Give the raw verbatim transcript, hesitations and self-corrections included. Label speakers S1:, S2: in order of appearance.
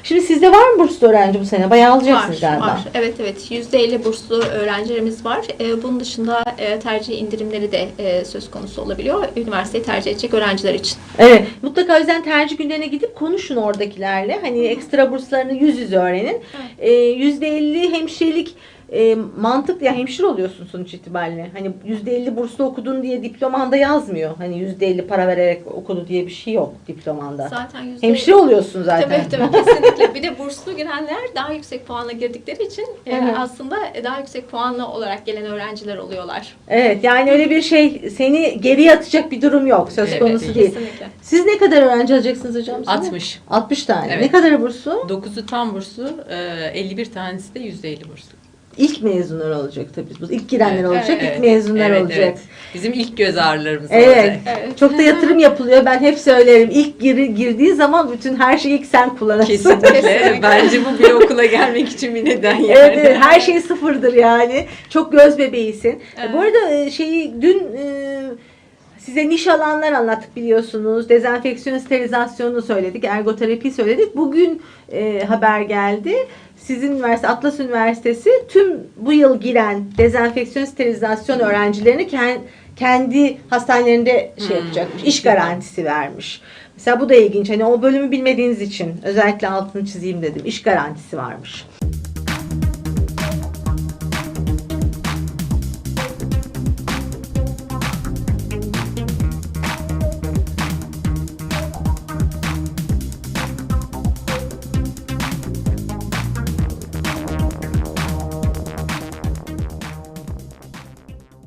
S1: Şimdi sizde var mı burslu öğrenci bu sene? Bayağı alacaksınız
S2: Var,
S1: galiba.
S2: var. Evet, evet. yüzde elli burslu öğrencilerimiz var. E, bunun dışında e, tercih indirimleri de e, söz konusu olabiliyor. Üniversiteyi tercih edecek öğrenciler için.
S1: Evet. Mutlaka o yüzden tercih günlerine gidip konuşun oradakilerle. Hani ekstra burslarını yüz yüze öğrenin. E, yüzde elli hemşirelik e, mantıklı. Ya hemşire oluyorsun sonuç itibariyle. Hani yüzde elli burslu okudun diye diplomanda yazmıyor. Hani yüzde elli para vererek okudu diye bir şey yok diplomanda.
S2: Zaten yüzde
S1: Hemşire oluyorsun zaten.
S2: Tabii tabii kesinlikle. Bir de burslu girenler daha yüksek puanla girdikleri için e,
S1: Evet.
S2: aslında daha yüksek puanlı olarak gelen öğrenciler oluyorlar.
S1: Evet, yani öyle bir şey seni geriye atacak bir durum yok. Söz
S3: Evet,
S1: konusu
S3: değil.
S1: değil.
S2: Kesinlikle.
S1: Siz ne kadar öğrenci alacaksınız hocam? size?
S3: altmış.
S1: altmış tane.
S3: Evet.
S1: Ne kadar burslu?
S3: dokuzu tam burslu, elli bir tanesi de yüzde elli burslu.
S1: İlk mezunlar olacak tabii. Bu ilk girenler
S3: Evet,
S1: olacak,
S3: evet,
S1: ilk mezunlar
S3: evet,
S1: olacak.
S3: evet. Bizim ilk göz ağrılarımız
S1: Evet.
S3: olacak.
S2: Evet.
S1: Çok da yatırım yapılıyor. Ben hep söylerim. İlk gir, girdiği zaman bütün her şeyi ilk sen kullanırsın.
S3: Kesinlikle.
S2: Kesinlikle.
S3: Bence bu bir okula gelmek için bir neden yani.
S1: Evet, evet, her şey sıfırdır yani. Çok göz bebeğisin.
S2: Evet.
S1: Bu arada e, şeyi dün e, size niş alanlar anlattık biliyorsunuz. Dezenfeksiyon, sterilizasyonu söyledik. Ergoterapi söyledik. Bugün e, haber geldi. Sizin üniversite, Atlas Üniversitesi tüm bu yıl giren dezenfeksiyon, sterilizasyon öğrencilerini kend- kendi hastanelerinde şey
S3: Hmm,
S1: yapacakmış. İş
S3: güzel.
S1: garantisi vermiş. Mesela bu da ilginç. Hani o bölümü bilmediğiniz için özellikle altını çizeyim dedim. İş garantisi varmış.